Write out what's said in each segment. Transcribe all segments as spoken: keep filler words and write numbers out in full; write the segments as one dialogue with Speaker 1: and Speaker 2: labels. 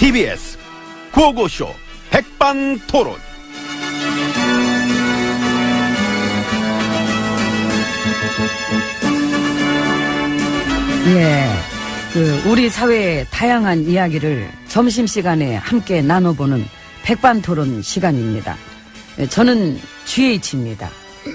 Speaker 1: 티비에스 구호고쇼 백반토론.
Speaker 2: 예, 그 우리 사회의 다양한 이야기를 점심시간에 함께 나눠보는 백반토론 시간입니다. 저는 지에이치입니다.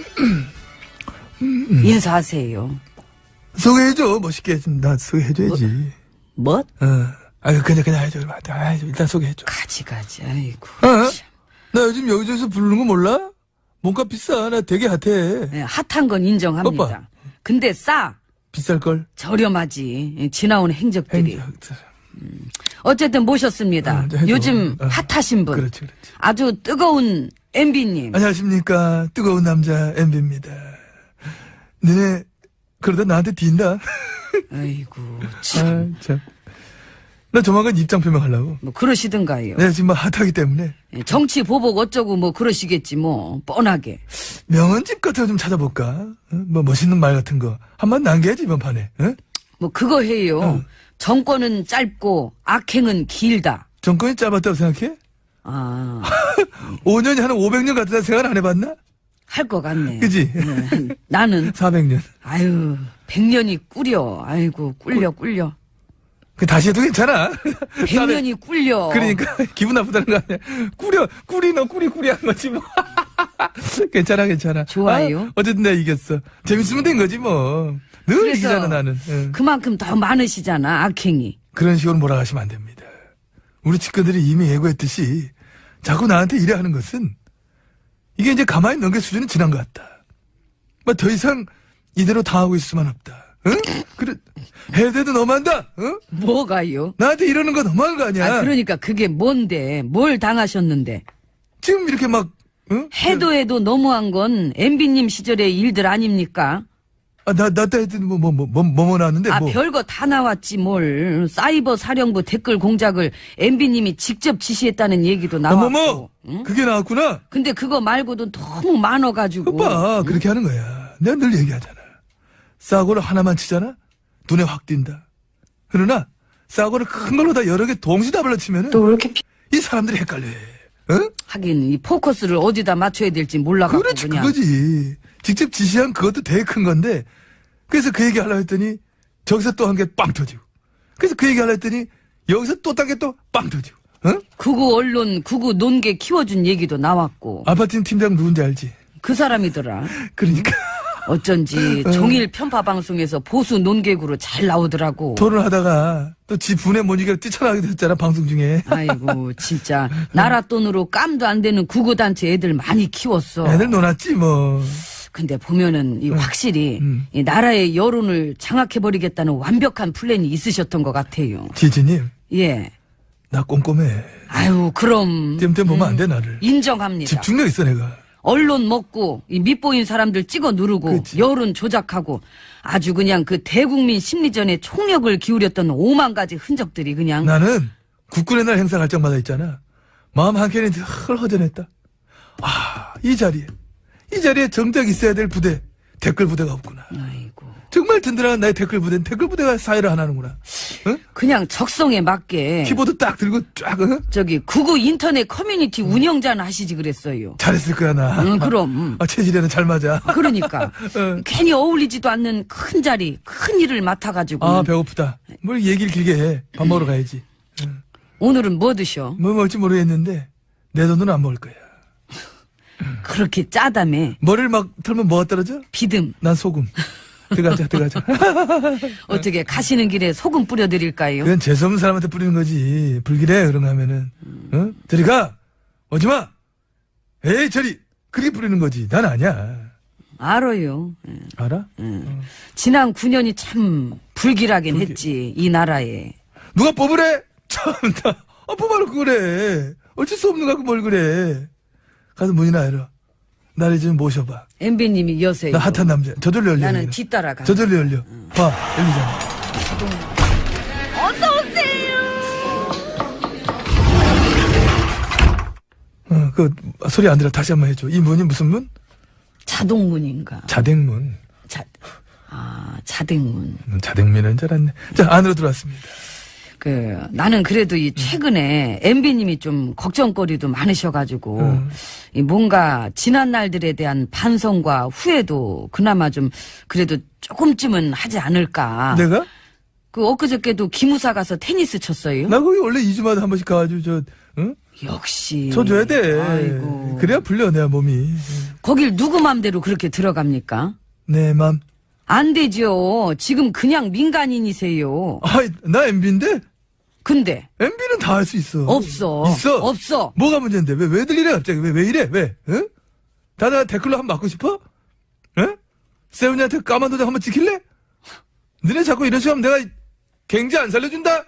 Speaker 2: 인사하세요.
Speaker 3: 소개해줘. 멋있게 좀 나 소개해줘야지.
Speaker 2: 뭐?
Speaker 3: 어. 아유 그냥 그냥 해줘. 아, 일단 소개해줘.
Speaker 2: 가지 가지. 아이고.
Speaker 3: 어? 나 요즘 여기저기서 부르는 거 몰라? 몸값 비싸. 나 되게 핫해.
Speaker 2: 예, 핫한 건 인정합니다.
Speaker 3: 오빠.
Speaker 2: 근데 싸.
Speaker 3: 비쌀걸?
Speaker 2: 저렴하지. 예, 지나온 행적들이.
Speaker 3: 행적.
Speaker 2: 어쨌든 모셨습니다.
Speaker 3: 어, 해줘.
Speaker 2: 요즘
Speaker 3: 어.
Speaker 2: 핫하신 분.
Speaker 3: 그렇지, 그렇지.
Speaker 2: 아주 뜨거운 엠비님.
Speaker 3: 안녕하십니까. 뜨거운 남자 엠비입니다. 너네 그러다 나한테 딘다.
Speaker 2: 아이고 참.
Speaker 3: 아, 참. 나 조만간 입장 표명하려고.
Speaker 2: 뭐 그러시든가요.
Speaker 3: 내가 지금 뭐 핫하기 때문에
Speaker 2: 예, 정치 보복 어쩌고 뭐 그러시겠지 뭐 뻔하게.
Speaker 3: 명언집 같은 거 좀 찾아볼까? 어? 뭐 멋있는 말 같은 거 한번 남겨야지 이번 판에. 어?
Speaker 2: 뭐 그거 해요.
Speaker 3: 어.
Speaker 2: 정권은 짧고 악행은 길다.
Speaker 3: 정권이 짧았다고 생각해?
Speaker 2: 아,
Speaker 3: 오 년이 한 오백 년 같다 생각 안 해봤나?
Speaker 2: 할 것 같네.
Speaker 3: 그지?
Speaker 2: 예, 나는
Speaker 3: 사백 년.
Speaker 2: 아유 백 년이 꿀려. 아이고 꿀려 꿀려.
Speaker 3: 그 다시 해도 괜찮아.
Speaker 2: 백 년이 꿀려.
Speaker 3: 그러니까 기분 나쁘다는 거 아니야. 꾸려 꾸리 너 꾸리 꾸리 한 거지 뭐. 괜찮아 괜찮아.
Speaker 2: 좋아요.
Speaker 3: 아, 어쨌든 내가 이겼어. 재밌으면 된 거지 뭐. 늘
Speaker 2: 그래서
Speaker 3: 이기잖아 나는. 응.
Speaker 2: 그만큼 더 많으시잖아 악행이.
Speaker 3: 그런 식으로 몰아가시면 안 됩니다. 우리 측근들이 이미 예고했듯이 자꾸 나한테 이래 하는 것은 이게 이제 가만히 넘길 수준은 지난 것 같다. 뭐 더 이상 이대로 당하고 있을 수만 없다. 응? 그래 해대도 너무한다. 응?
Speaker 2: 뭐가요?
Speaker 3: 나한테 이러는 거 너무한 거 아니야.
Speaker 2: 아 그러니까 그게 뭔데? 뭘 당하셨는데?
Speaker 3: 지금 이렇게 막 응?
Speaker 2: 해도 해도 너무한 건 엠비님 시절의 일들 아닙니까?
Speaker 3: 아, 나, 나 때 했더니 뭐, 뭐, 뭐, 뭐, 뭐, 뭐 나왔는데,
Speaker 2: 아
Speaker 3: 뭐.
Speaker 2: 별거 다 나왔지 뭘. 사이버 사령부 댓글 공작을 엠비님이 직접 지시했다는 얘기도
Speaker 3: 아,
Speaker 2: 나왔고.
Speaker 3: 뭐, 뭐.
Speaker 2: 응?
Speaker 3: 그게 나왔구나.
Speaker 2: 근데 그거 말고도 너무 많아가지고.
Speaker 3: 오빠, 그렇게 하는 거야. 내가 늘 얘기하잖아. 싸구를 하나만 치잖아? 눈에 확 띈다. 그러나, 싸구를 큰 걸로 다 여러 개 동시다발로 치면은.
Speaker 2: 또 왜 이렇게 피...
Speaker 3: 이 사람들이 헷갈려 해. 응?
Speaker 2: 하긴 이 포커스를 어디다 맞춰야 될지 몰라가지고
Speaker 3: 그렇지,
Speaker 2: 그냥.
Speaker 3: 그거지. 직접 지시한 그것도 되게 큰 건데, 그래서 그 얘기 하려고 했더니, 저기서 또 한 개 빵 터지고. 그래서 그 얘기 하려고 했더니, 여기서 또 딴 게 또 빵 터지고. 응?
Speaker 2: 구구 언론, 구구 논개 키워준 얘기도 나왔고.
Speaker 3: 아파트 팀장 누군지 알지?
Speaker 2: 그 사람이더라.
Speaker 3: 그러니까.
Speaker 2: 어쩐지 종일 편파 방송에서 보수 논객으로 잘 나오더라고.
Speaker 3: 토론하다가 또 지 분에 못 이겨 뛰쳐나가게 됐잖아 방송 중에.
Speaker 2: 아이고 진짜 나라 돈으로 깜도 안 되는 구구단체 애들 많이 키웠어.
Speaker 3: 애들 놀았지 뭐.
Speaker 2: 근데 보면은 이 확실히
Speaker 3: 음.
Speaker 2: 이 나라의 여론을 장악해버리겠다는 완벽한 플랜이 있으셨던 것 같아요.
Speaker 3: 지지님
Speaker 2: 예.
Speaker 3: 나 꼼꼼해.
Speaker 2: 아유 그럼
Speaker 3: 땜땜 보면 안 돼 나를.
Speaker 2: 인정합니다.
Speaker 3: 집중력 있어 내가.
Speaker 2: 언론 먹고 이 밑보인 사람들 찍어 누르고
Speaker 3: 그치.
Speaker 2: 여론 조작하고 아주 그냥 그 대국민 심리전에 총력을 기울였던 오만 가지 흔적들이 그냥.
Speaker 3: 나는 국군의 날 행사 갈 적마다 있잖아. 마음 한켠이 늘 허전했다. 아, 이 자리에 이 자리에 정작 있어야 될 부대 댓글 부대가 없구나.
Speaker 2: 아이고.
Speaker 3: 정말 든든한 나의 댓글 부대는 댓글 부대가 사회를 하나는구나. 응?
Speaker 2: 그냥 적성에 맞게
Speaker 3: 키보드 딱 들고 쫙 응?
Speaker 2: 저기 구구 인터넷 커뮤니티 운영자는 하시지 그랬어요.
Speaker 3: 잘했을 거야 나.
Speaker 2: 응, 그럼.
Speaker 3: 아, 체질에는 잘 맞아.
Speaker 2: 그러니까
Speaker 3: 응.
Speaker 2: 괜히 어울리지도 않는 큰 자리, 큰 일을 맡아가지고.
Speaker 3: 아 배고프다. 뭘 얘기를 길게 해. 밥 먹으러 가야지. 응.
Speaker 2: 오늘은 뭐 드셔?
Speaker 3: 뭐 먹을지 모르겠는데 내 돈은 안 먹을 거야.
Speaker 2: 그렇게 짜다며.
Speaker 3: 머리를 막 털면 뭐가 떨어져?
Speaker 2: 비듬.
Speaker 3: 난 소금. 들어가자 들어가자.
Speaker 2: 어떻게 가시는 길에 소금 뿌려드릴까요?
Speaker 3: 그건 재수없는 사람한테 뿌리는 거지. 불길해 그런 거 하면은. 어? 저리 가. 오지마. 에이 저리. 그렇게 뿌리는 거지. 난 아니야.
Speaker 2: 알아요. 예.
Speaker 3: 알아?
Speaker 2: 지난 구 년이 참 불길하긴
Speaker 3: 불길.
Speaker 2: 했지 이 나라에.
Speaker 3: 누가 뽑으래? 참나. 아 뽑아놓고 그래. 어쩔 수 없는 거 갖고 뭘 그래. 가서 문이나 열어. 나를 좀 모셔봐.
Speaker 2: 엠비님이 여세요.
Speaker 3: 나 핫한 남자. 저절로 열려.
Speaker 2: 나는
Speaker 3: 여기는.
Speaker 2: 뒤따라가.
Speaker 3: 저절로 열려. 봐, 열리잖아. 어, 그 소리 안 들어. 다시 한번 해줘. 이 문이 무슨 문?
Speaker 2: 자동문인가?
Speaker 3: 자댕문.
Speaker 2: 자, 아, 자댕문.
Speaker 3: 음, 자댕문인 줄 알았네. 자, 안으로 들어왔습니다.
Speaker 2: 그 나는 그래도 이 최근에 엠비님이 좀 걱정거리도 많으셔가지고
Speaker 3: 음.
Speaker 2: 이 뭔가 지난 날들에 대한 반성과 후회도 그나마 좀 그래도 조금쯤은 하지 않을까.
Speaker 3: 내가?
Speaker 2: 그 엊그저께도 기무사 가서 테니스 쳤어요.
Speaker 3: 나 거기 원래 이 주마다 한 번씩 가가지고 저 응?
Speaker 2: 역시.
Speaker 3: 쳐줘야 돼.
Speaker 2: 아이고.
Speaker 3: 그래야 불려 내 몸이.
Speaker 2: 거길 누구 맘대로 그렇게 들어갑니까?
Speaker 3: 내 맘.
Speaker 2: 안 되죠. 지금 그냥 민간인이세요.
Speaker 3: 아이 나 엠비인데
Speaker 2: 근데
Speaker 3: 엠비는 다 할 수 있어.
Speaker 2: 없어.
Speaker 3: 있어.
Speaker 2: 없어.
Speaker 3: 뭐가 문제인데 왜 왜들 이래 갑자기 왜 왜 이래 왜? 응? 다들 댓글로 한번 맞고 싶어? 응? 세훈이한테 까만 도장 한번 찍힐래? 너네 자꾸 이런 식으로 하면 내가 경제 안 살려준다?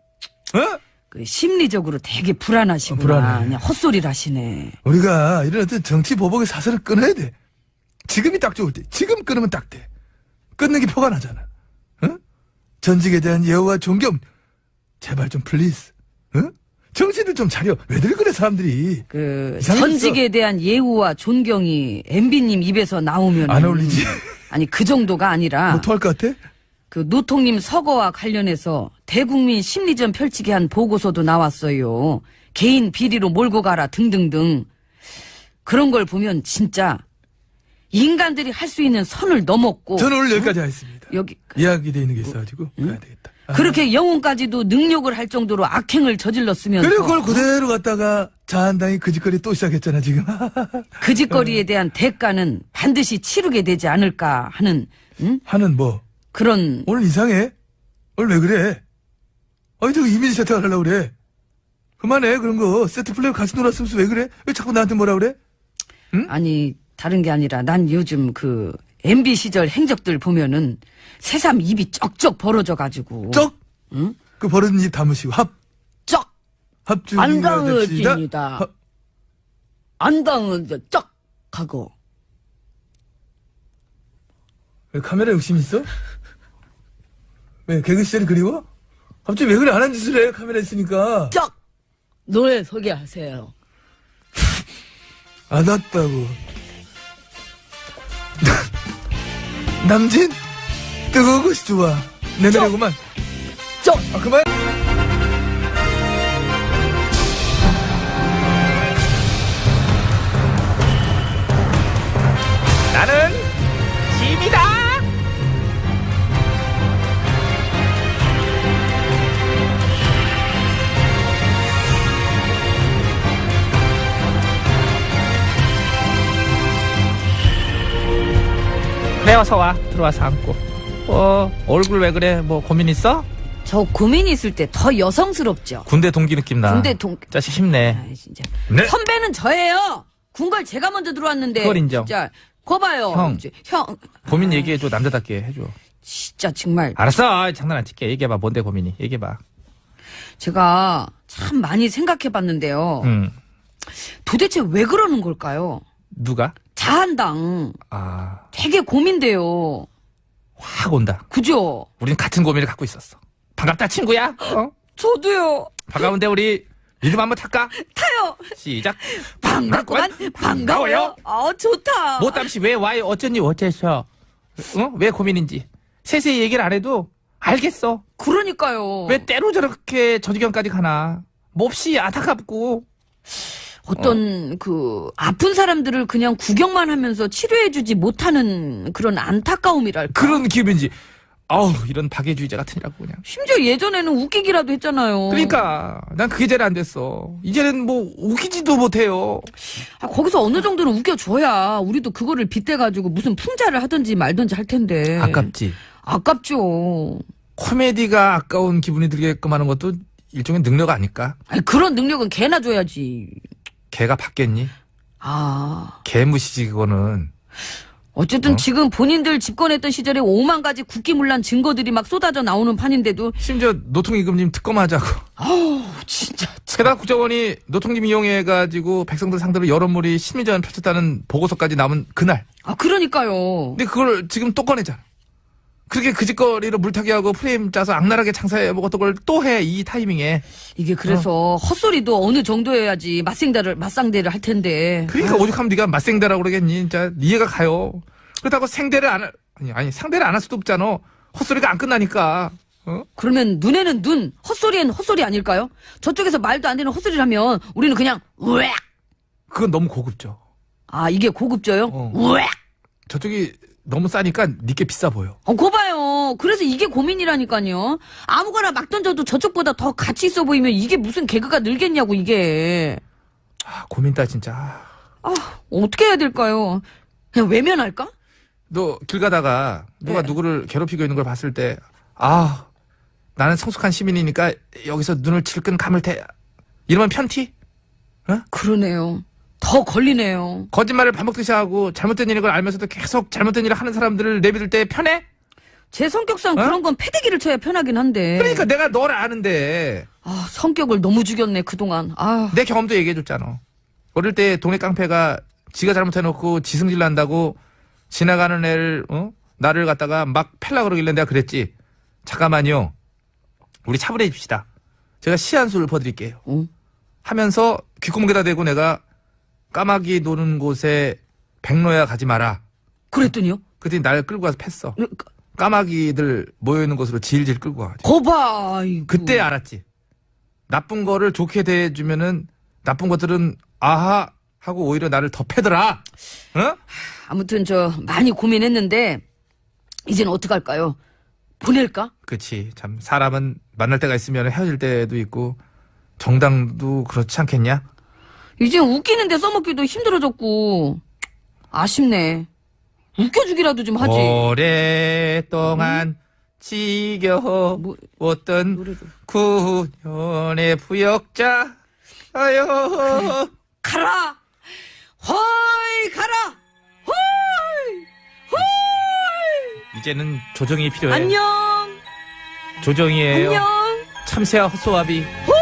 Speaker 3: 어?
Speaker 2: 그 심리적으로 되게 불안하시구나.
Speaker 3: 어, 불안해.
Speaker 2: 그냥 헛소리를 하시네.
Speaker 3: 우리가 이런 어떤 정치 보복의 사슬을 끊어야 돼. 지금이 딱 좋을 때. 지금 끊으면 딱 돼. 끊는 게 표가 나잖아. 응? 전직에 대한 예우와 존경. 제발 좀 플리즈. 응? 정신을 좀 차려. 왜들 그래 사람들이.
Speaker 2: 그
Speaker 3: 이상했어.
Speaker 2: 전직에 대한 예우와 존경이 엠비님 입에서 나오면
Speaker 3: 안 어울리지?
Speaker 2: 아니 그 정도가 아니라
Speaker 3: 뭐 토할 것 같아?
Speaker 2: 그 노통님 서거와 관련해서 대국민 심리전 펼치게 한 보고서도 나왔어요. 개인 비리로 몰고 가라 등등등. 그런 걸 보면 진짜 인간들이 할 수 있는 선을 넘었고
Speaker 3: 저는 오늘 여기까지 하겠습니다.
Speaker 2: 여기
Speaker 3: 이야기돼 있는 게 있어가지고 가야 되겠다. 아.
Speaker 2: 그렇게 영혼까지도 능욕을 할 정도로 악행을 저질렀으면서
Speaker 3: 그리고 그걸 그대로 갖다가 자한당이 그 짓거리 또 시작했잖아 지금.
Speaker 2: 그 짓거리에 대한 대가는 반드시 치르게 되지 않을까 하는 응?
Speaker 3: 하는 뭐
Speaker 2: 그런
Speaker 3: 오늘 이상해? 오늘 왜 그래? 아니 저 이미지 세팅을 하려고 그래. 그만해 그런 거. 세트 플레이 같이 놀았으면서 왜 그래? 왜 자꾸 나한테 뭐라 그래?
Speaker 2: 아니 다른 게 아니라 난 요즘 그 엠비 시절 행적들 보면은 새삼 입이 쩍쩍 벌어져 가지고
Speaker 3: 쩍?
Speaker 2: 응?
Speaker 3: 그 버릇은 입 다무시고 합.
Speaker 2: 쩍
Speaker 3: 합주.
Speaker 2: 안 당해집니다. 안 당해져 쩍 하고
Speaker 3: 왜 카메라 욕심 있어? 왜 개그 시절이 그리워? 갑자기 왜 그래 안 한 짓을 해 카메라 있으니까.
Speaker 2: 쩍 노래 소개하세요.
Speaker 3: 안 왔다고. 남진? 뜨거운 것이 좋아. 내 노래구만.
Speaker 2: 쩍
Speaker 3: 아, 그만.
Speaker 4: 나는 짐이다. 그래 어서 와. 들어와서 앉고. 어 얼굴 왜 그래? 뭐 고민 있어?
Speaker 2: 저 고민 있을 때 더 여성스럽죠.
Speaker 4: 군대 동기 느낌 나.
Speaker 2: 군대 동
Speaker 4: 자식 힘내.
Speaker 2: 아이, 진짜.
Speaker 3: 네.
Speaker 2: 선배는 저예요. 군걸 제가 먼저 들어왔는데.
Speaker 4: 그걸 인정.
Speaker 2: 진짜. 거 봐요.
Speaker 4: 형.
Speaker 2: 이제 형.
Speaker 4: 고민 얘기해줘. 남자답게 해줘.
Speaker 2: 진짜 정말
Speaker 4: 알았어. 아이, 장난 안 칠게. 얘기해봐. 뭔데 고민이. 얘기해봐.
Speaker 2: 제가 참 많이 생각해 봤는데요.
Speaker 4: 응.
Speaker 2: 도대체 왜 그러는 걸까요?
Speaker 4: 누가?
Speaker 2: 자한당.
Speaker 4: 아,
Speaker 2: 되게 고민돼요.
Speaker 4: 확 온다.
Speaker 2: 그죠?
Speaker 4: 우린 같은 고민을 갖고 있었어. 반갑다 친구야. 어?
Speaker 2: 저도요.
Speaker 4: 반가운데 우리 리듬 한번 탈까?
Speaker 2: 타요.
Speaker 4: 시작.
Speaker 2: 반갑구만. 반가워요. 아, 좋다.
Speaker 4: 뭐 땀시 왜 와요? 어쩌니 어째서? 어? 왜 고민인지 세세히 얘기를 안 해도 알겠어.
Speaker 2: 그러니까요.
Speaker 4: 왜 때로 저렇게 저 지경까지 가나? 몹시 안타깝고.
Speaker 2: 어떤 그 아픈 사람들을 그냥 구경만 하면서 치료해주지 못하는 그런 안타까움이랄까.
Speaker 4: 그런 기분인지. 아우 이런 박애주의자 같으니라고 그냥.
Speaker 2: 심지어 예전에는 웃기기라도 했잖아요.
Speaker 4: 그러니까 난 그게 제일 안 됐어. 이제는 뭐 웃기지도 못해요.
Speaker 2: 아, 거기서 어느 정도는 웃겨줘야 우리도 그거를 빗대가지고 무슨 풍자를 하든지 말든지 할 텐데.
Speaker 4: 아깝지.
Speaker 2: 아깝죠.
Speaker 4: 코미디가 아까운 기분이 들게끔 하는 것도 일종의 능력 아닐까?
Speaker 2: 아니, 그런 능력은 개나 줘야지.
Speaker 4: 걔가 받겠니?
Speaker 2: 아.
Speaker 4: 개무시지 그거는.
Speaker 2: 어쨌든
Speaker 4: 어?
Speaker 2: 지금 본인들 집권했던 시절에 오만 가지 국기문란 증거들이 막 쏟아져 나오는 판인데도
Speaker 4: 심지어 노통이금님 특검하자고.
Speaker 2: 아우 진짜
Speaker 4: 게다가 국정원이 노통님 이용해가지고 백성들 상대로 여론몰이 심리전 펼쳤다는 보고서까지 나온 그날.
Speaker 2: 아 그러니까요.
Speaker 4: 근데 그걸 지금 또 꺼내잖아. 그렇게 그 짓거리로 물타기 하고 프레임 짜서 악랄하게 장사해 먹었던 걸 또 해 이 타이밍에.
Speaker 2: 이게 그래서 헛소리도 어느 정도 해야지 맞상대를 맞상대를 할 텐데.
Speaker 4: 그러니까 오죽하면 네가 맞생대라고 그러겠니? 진짜 이해가 가요. 그렇다고 생대를 안 할, 아니 아니 상대를 안 할 수도 없잖아. 헛소리가 안 끝나니까. 어?
Speaker 2: 그러면 눈에는 눈, 헛소리엔 헛소리 아닐까요? 저쪽에서 말도 안 되는 헛소리를 하면 우리는 그냥 우엑.
Speaker 4: 그건 너무 고급져.
Speaker 2: 아, 이게 고급져요?
Speaker 4: 어.
Speaker 2: 우엑.
Speaker 4: 저쪽이 너무 싸니까 니께 비싸 보여.
Speaker 2: 어, 거 봐요. 그래서 이게 고민이라니까요. 아무거나 막 던져도 저쪽보다 더 가치 있어 보이면 이게 무슨 개그가 늘겠냐고, 이게.
Speaker 4: 아, 고민다 진짜.
Speaker 2: 아, 어떻게 해야 될까요? 그냥 외면할까?
Speaker 4: 너 길 가다가 누가
Speaker 2: 네.
Speaker 4: 누구를 괴롭히고 있는 걸 봤을 때, 아, 나는 성숙한 시민이니까 여기서 눈을 질끈 감을 테. 이러면 편티?
Speaker 2: 그러네요. 더 걸리네요.
Speaker 4: 거짓말을 반복듯이 하고 잘못된 일인 걸 알면서도 계속 잘못된 일을 하는 사람들을 내비둘 때 편해?
Speaker 2: 제 성격상
Speaker 4: 어?
Speaker 2: 그런 건 패대기를 쳐야 편하긴 한데.
Speaker 4: 그러니까 내가 너를 아는데
Speaker 2: 아, 성격을 너무 죽였네, 그동안. 아,
Speaker 4: 내 경험도 얘기해줬잖아. 어릴 때 동네 깡패가 지가 잘못해놓고 지승질 난다고 지나가는 애를 어? 나를 갖다가 막 팰라 그러길래 내가 그랬지. 잠깐만요. 우리 차분해집시다. 제가 시 한 수를 퍼드릴게요.
Speaker 2: 어?
Speaker 4: 하면서 귓구멍에다 대고 내가 까마귀 노는 곳에 백로야 가지 마라.
Speaker 2: 그랬더니요?
Speaker 4: 그랬더니 날 끌고 가서 팼어.
Speaker 2: 그,
Speaker 4: 까마귀들 모여있는 곳으로 질질 끌고 가.
Speaker 2: 거봐, 아이고.
Speaker 4: 그때 알았지. 나쁜 거를 좋게 대해주면은 나쁜 것들은 아하 하고 오히려 나를 더 패더라. 어?
Speaker 2: 아무튼 저 많이 고민했는데 이제는 어떡할까요? 보낼까?
Speaker 4: 그치. 참 사람은 만날 때가 있으면 헤어질 때도 있고 정당도 그렇지 않겠냐?
Speaker 2: 이제 웃기는데 써먹기도 힘들어졌고 아쉽네. 웃겨주기라도 좀 하지.
Speaker 4: 오랫동안 지겨웠던
Speaker 2: 뭐, 노래 좀.
Speaker 4: 구년의 부역자 아유
Speaker 2: 가라! 헐 가라! 헐! 헐!
Speaker 4: 이제는 조정이 필요해.
Speaker 2: 안녕!
Speaker 4: 조정이에요.
Speaker 2: 안녕!
Speaker 4: 참새와 헛소아비.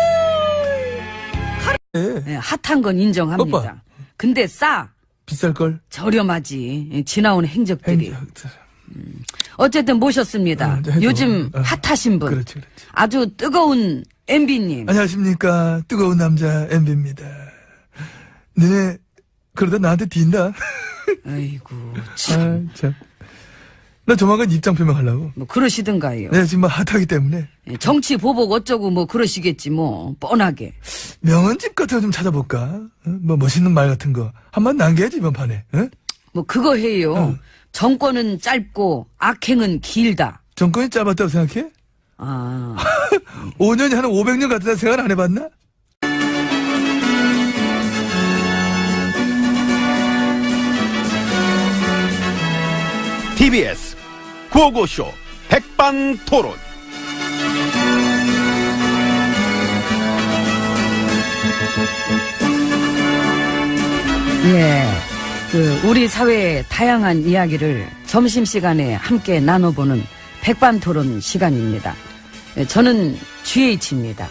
Speaker 3: 예.
Speaker 2: 네, 핫한 건 인정합니다.
Speaker 3: 오빠.
Speaker 2: 근데 싸.
Speaker 3: 비쌀걸?
Speaker 2: 저렴하지. 예, 지나온 행적들이.
Speaker 3: 행적.
Speaker 2: 어쨌든 모셨습니다.
Speaker 3: 어, 해줘.
Speaker 2: 요즘
Speaker 3: 어.
Speaker 2: 핫하신 분.
Speaker 3: 그렇지, 그렇지.
Speaker 2: 아주 뜨거운 엠비님.
Speaker 3: 안녕하십니까. 뜨거운 남자 엠비입니다. 너네 그러다 나한테 딘다.
Speaker 2: 아이고 참.
Speaker 3: 아, 참. 나 조만간 입장 표명하려고.
Speaker 2: 뭐 그러시든가요.
Speaker 3: 내가 지금 뭐 핫하기 때문에
Speaker 2: 예, 정치 보복 어쩌고 뭐 그러시겠지 뭐 뻔하게.
Speaker 3: 명언집 같은 거 좀 찾아볼까? 어? 뭐 멋있는 말 같은 거 한번 남겨야지 이번 판에. 어?
Speaker 2: 뭐 그거 해요.
Speaker 3: 어.
Speaker 2: 정권은 짧고 악행은 길다.
Speaker 3: 정권이 짧았다고 생각해?
Speaker 2: 아,
Speaker 3: 오 년이 한 오백 년 같다 생각 안 해봤나?
Speaker 1: 티비에스 구호고쇼 백반토론.
Speaker 2: 예. 그 우리 사회의 다양한 이야기를 점심시간에 함께 나눠보는 백반토론 시간입니다. 예, 저는 지에이치입니다.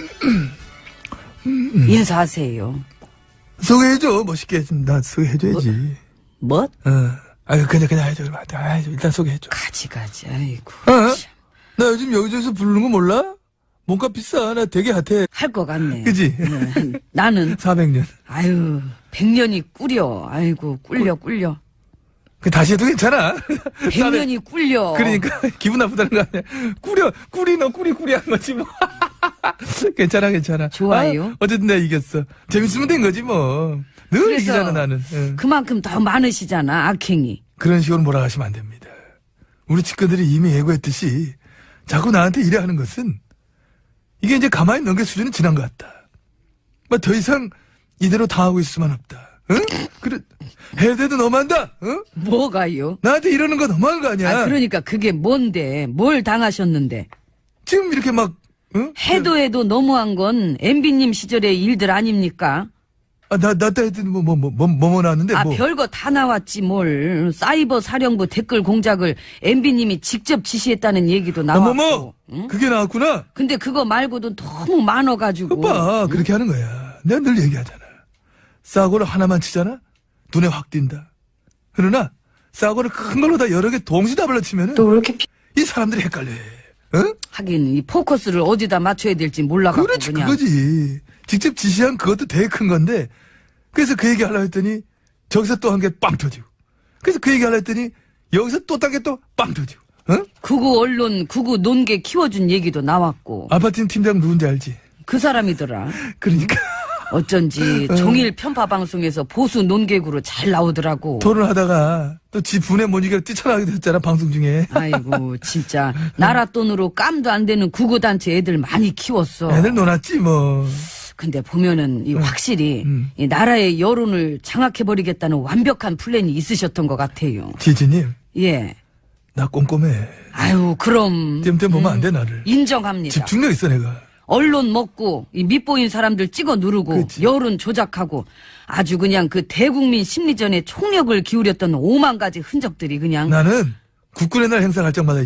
Speaker 2: 인사하세요.
Speaker 3: 소개해줘 멋있게 좀 나 소개해줘야지.
Speaker 2: 뭐?
Speaker 3: 어. 아유 그냥 그냥 해줘. 아, 일단 소개해줘.
Speaker 2: 가지 가지. 아이고.
Speaker 3: 어?
Speaker 2: 참.
Speaker 3: 나 요즘 여기저기서 부르는 거 몰라? 몸값 비싸. 나 되게 핫해.
Speaker 2: 할 것 같네.
Speaker 3: 그지?
Speaker 2: 네. 나는
Speaker 3: 사백 년.
Speaker 2: 아유 백년이 꿀려. 아이고 꿀려 꿀려.
Speaker 3: 그 다시 해도 괜찮아.
Speaker 2: 백년이 꿀려.
Speaker 3: 그러니까 기분 나쁘다는 거 아니야. 꾸려 꾸리 너 꾸리 꾸리 한 거지 뭐. 괜찮아 괜찮아.
Speaker 2: 좋아요.
Speaker 3: 아, 어쨌든 내가 이겼어. 재밌으면 된 거지 뭐. 늘
Speaker 2: 그래서
Speaker 3: 이기잖아 나는. 응.
Speaker 2: 그만큼 더 많으시잖아 악행이.
Speaker 3: 그런 식으로 몰아가시면 안 됩니다. 우리 측근들이 이미 예고했듯이 자꾸 나한테 이래 하는 것은 이게 이제 가만히 넘길 수준은 지난 것 같다. 뭐 더 이상 이대로 당하고 있을 수만 없다. 응? 그래 해야 돼도 너무한다. 응?
Speaker 2: 뭐가요?
Speaker 3: 나한테 이러는 거 너무한 거 아니야.
Speaker 2: 아 그러니까 그게 뭔데? 뭘 당하셨는데?
Speaker 3: 지금 이렇게 막 응?
Speaker 2: 해도 해도 너무한 건 엠비님 시절의 일들 아닙니까?
Speaker 3: 아, 나, 나, 나, 뭐, 뭐, 뭐, 뭐, 뭐, 뭐 나왔는데,
Speaker 2: 아
Speaker 3: 뭐.
Speaker 2: 별거 다 나왔지 뭘. 사이버 사령부 댓글 공작을 엠비님이 직접 지시했다는 얘기도 나왔고.
Speaker 3: 어머머!
Speaker 2: 응?
Speaker 3: 그게 나왔구나?
Speaker 2: 근데 그거 말고도 너무 많아가지고.
Speaker 3: 오빠, 그렇게 하는 거야. 내가 늘 얘기하잖아. 싸구를 하나만 치잖아? 눈에 확 띈다. 그러나, 싸구를 큰 걸로 다 여러 개 동시에 다 발라치면은.
Speaker 2: 또 그렇게 피...
Speaker 3: 이 사람들이 헷갈려. 응?
Speaker 2: 하긴 이 포커스를 어디다 맞춰야 될지 몰라갖고
Speaker 3: 그렇지,
Speaker 2: 그냥.
Speaker 3: 그거지. 직접 지시한 그것도 되게 큰 건데, 그래서 그 얘기 하려고 했더니, 저기서 또 한 개 빵 터지고. 그래서 그 얘기 하려고 했더니, 여기서 또 딴 게 또 빵 터지고. 응?
Speaker 2: 구구 언론, 구구 논개 키워준 얘기도 나왔고.
Speaker 3: 아파트 팀장 누군지 알지?
Speaker 2: 그 사람이더라.
Speaker 3: 그러니까
Speaker 2: 어쩐지 종일 편파 방송에서 보수 논객으로 잘 나오더라고.
Speaker 3: 토론하다가 또 지 분에 못 이겨 뛰쳐나가게 됐잖아 방송 중에.
Speaker 2: 아이고 진짜 나라 돈으로 깜도 안 되는 구구단체 애들 많이 키웠어.
Speaker 3: 애들 놀았지 뭐.
Speaker 2: 근데 보면은 이 확실히
Speaker 3: 음.
Speaker 2: 이 나라의 여론을 장악해버리겠다는 완벽한 플랜이 있으셨던 것 같아요.
Speaker 3: 지지님
Speaker 2: 예.
Speaker 3: 나 꼼꼼해.
Speaker 2: 아유 그럼
Speaker 3: 땜땜 보면 안 돼 나를.
Speaker 2: 인정합니다.
Speaker 3: 집중력 있어 내가.
Speaker 2: 언론 먹고 이 밑보인 사람들 찍어 누르고
Speaker 3: 그치.
Speaker 2: 여론 조작하고 아주 그냥 그 대국민 심리전에 총력을 기울였던 오만 가지 흔적들이 그냥
Speaker 3: 나는 국군의 날 행사 갈 적마다